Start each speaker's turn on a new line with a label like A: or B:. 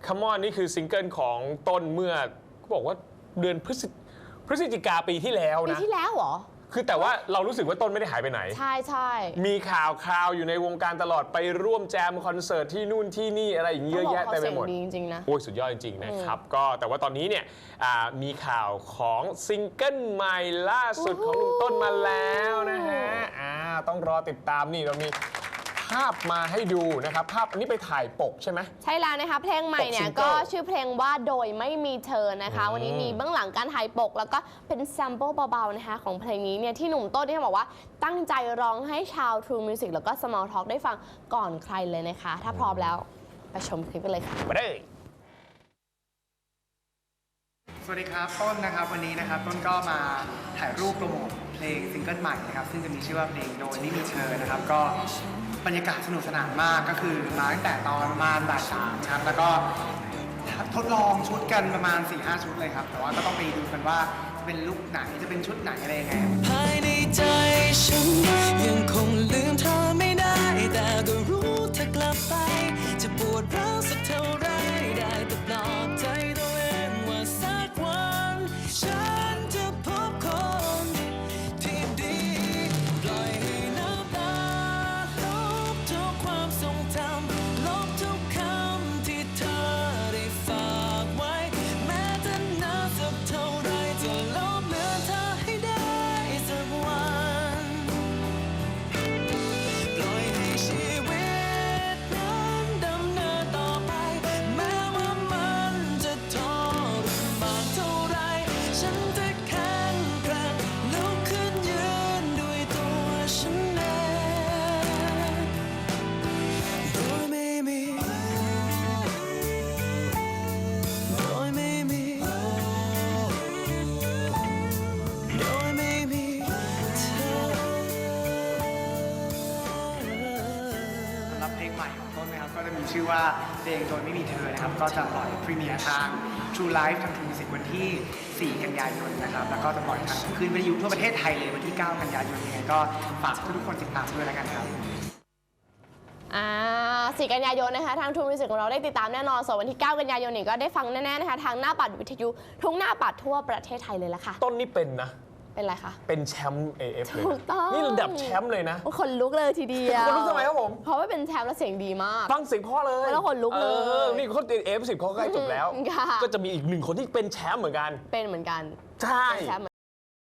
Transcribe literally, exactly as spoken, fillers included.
A: Come On นี่คือซิงเกิลของต้นเมื่อบอกว่าเดือนพฤศพฤศจิกาปีที่แล้ว
B: ปี
A: นะ
B: ที่แล้วเหรอ
A: คือแต่ว่าเรารู้สึกว่าต้นไม่ได้หายไปไหน
B: ใช่ใช่
A: มีข่าวคราวอยู่ในวงการตลอดไปร่วมแจมคอนเสิร์ตที่นู่นที่นี่อะไรอย่างเงี้ยเยอะแยะเต็มไปหมด
B: ดีจริงๆนะ
A: โอ้ยสุดยอดจริงๆนะครับก็แต่ว่าตอนนี้เนี่ยมีข่าวของซิงเกิลใหม่ล่าสุดของหนุ่มต้นมาแล้วนะฮะอ่าต้องรอติดตามนี่เรามีภาพมาให้ดูนะครับภาพอันนี้ไปถ่ายปกใช่ไหม
B: ใช่แล้วนะคะเพลงใหม่เนี่ยก็ชื่อเพลงว่าโดยไม่มีเธอนะคะวันนี้มีเบื้องหลังการถ่ายปกแล้วก็เป็นแซมเปิลเบาๆนะคะของเพลงนี้เนี่ยที่หนุ่มต้นที่บอกว่าตั้งใจร้องให้ชาว True Music แล้วก็ Small Talk ได้ฟังก่อนใครเลยนะคะถ้าพร้อมแล้วไปชมคลิปกันเลยค่ะ
A: มาเลย
C: สวัสดีครับต้นนะครับวันนี้นะครับต้นก็มาถ่ายรูปโปรโมทเพลงซิงเกิลใหม่นะครับซึ่งจะมีชื่อว่าเพลงโดยไม่มีเธอนะครับก็บรรยากาศสนุกสนานมากก็คือมาตั้งแต่ตอนประมาณบ่ายสามครับแล้วก็ทดลองชุดกันประมาณ สี่ห้า ชุดเลยครับแต่ว่าก็ต้องไปดูกันว่าจะเป็นลุคไหนจะเป็นชุดไหนอะไรยังไง
D: ภายในใจฉันยังคงลืมเธอไม่ได้แต่ก็รู้เธอกลับไปจะปวดร้าวสักเท่าไรได้แต่ปลอบใจตัวเองว่าสักวันฉันจะพบคนที่ดีปล่อยให้น้ำตาลบทุกความทรงจำลบทุกคำที่เธอได้ฝากไว้แม้จะนานสักเท่าไรจะลบเลือนเธอให้ได้สักวันปล่อยให้ชีวิตนั้นดำเนินต่อไปแม้ว่ามันจะทรมานเท่าไรฉันจะแข็งแกร่งลุกขึ้นยืนด้วยตัวฉันเองโดยไม่มีโดยไม่มีโดยไม่มีเธอ
C: สำหรับเพลงใหม่ของต้นนะครับก็จะมีชื่อว่าเพลงโดยไม่มีเธอนะครับก็จะปล่อยพรีเมียร์ทาง True Life ทาง True Music วันที่ สี่ กันยายนนะครับแล้วก็จะปล่อยทางคลื่นวิทยุทั่วประเทศไทยเลยวันที่ เก้า กันยายนยังไงก็ฝากทุกคนติดตามด้วยแล้วกันครับ
B: อ่าสี่กันยายนนะคะทาง True Music ของเราได้ติดตามแน่นอนส่วนวันที่ เก้า กันยายนนี่ก็ได้ฟังแน่ๆนะคะทางหน้าปัดวิทยุทุกหน้าปัดทั่วประเทศไทยเลยละค่ะ
A: ต้นนี่เป็นนะ
B: เป็นไรคะ
A: เป็นแชมป์ เอ เอฟ เลย
B: ถูกต้อง
A: นี่ระดับแชมป์เลยนะ
B: คนลุกเลยทีเดียว
A: คนลุกทำไมครับผม
B: เพราะว่าเป็นแชมป์แล้วเสียงดีมาก
A: ฟังเสียงพ่อเลย
B: แล้วคนลุกเลย
A: นี่เขาเอ เอฟ สิบเขาใกล้จบแล้วก็จะมีอีกหนึ่งคนที่เป็นแชมป์เหมือนกัน
B: เป็นเหมือนกัน
A: ใช่